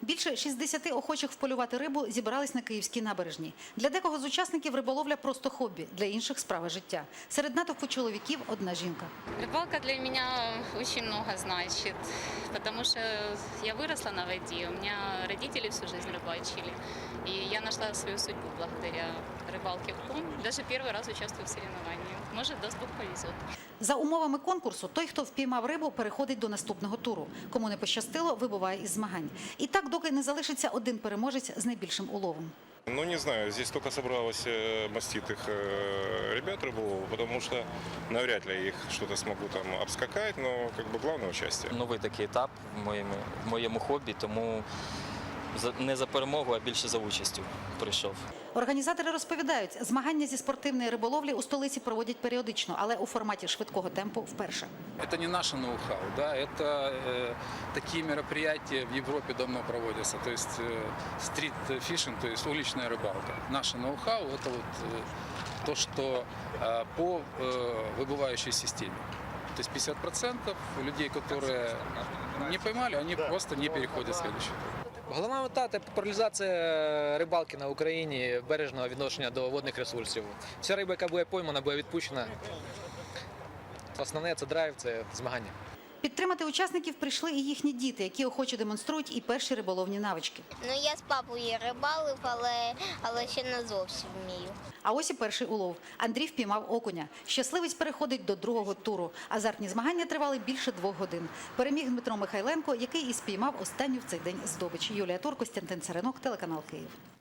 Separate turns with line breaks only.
Більше 60 охочих вполювати рибу зібрались на Київській набережній. Для декого з учасників риболовля просто хобі, для інших – справа життя. Серед натовпу чоловіків – одна жінка.
Рыбалка для меня очень много значит, потому что я выросла на воде, у меня родители всю жизнь рыбачили, и я нашла свою судьбу благодаря рыбалке в Кум. Даже первый раз участвую в соревновании. Может, даст Бог, повезет.
За умовами конкурсу, той, хто впіймав рибу, переходить до наступного туру. Кому не пощастило, вибуває із змагань. І так, доки не залишиться один переможець з найбільшим уловом.
Ну, не знаю, здесь только собралось маститых ребят рыболовов, потому что навряд ли их что-то смогу там обскакать, но как бы главное участие.
Новий такий етап в моєму хобі, тому не за перемогу, а більше за участю прийшов.
Організатори розповідають, змагання зі спортивної риболовлі у столиці проводять періодично, але у форматі швидкого темпу вперше.
Это не наше ноу-хау, да, это такие мероприятия в Европе давно проводятся, то есть стрит-фишинг, то есть уличная рыбалка. Наше ноу-хау – это вот то, что по выбывающей системе. То есть 50% людей, которые не поймали, они просто не переходят в следующий тур.
Головна мета – це популяризація рибалки на Україні, бережного відношення до водних ресурсів. Вся риба, яка буде поймана, буде відпущена. Основне – це драйв, це змагання.
Підтримати учасників прийшли і їхні діти, які охоче демонструють і перші риболовні навички.
Ну, я з папою рибалив, але ще не зовсім вмію.
А ось і перший улов. Андрій впіймав окуня. Щасливець переходить до другого туру. Азартні змагання тривали більше 2 годин. Переміг Дмитро Михайленко, який і спіймав останню в цей день здобич. Юлія Тур, Костянтин Царинок, телеканал Київ.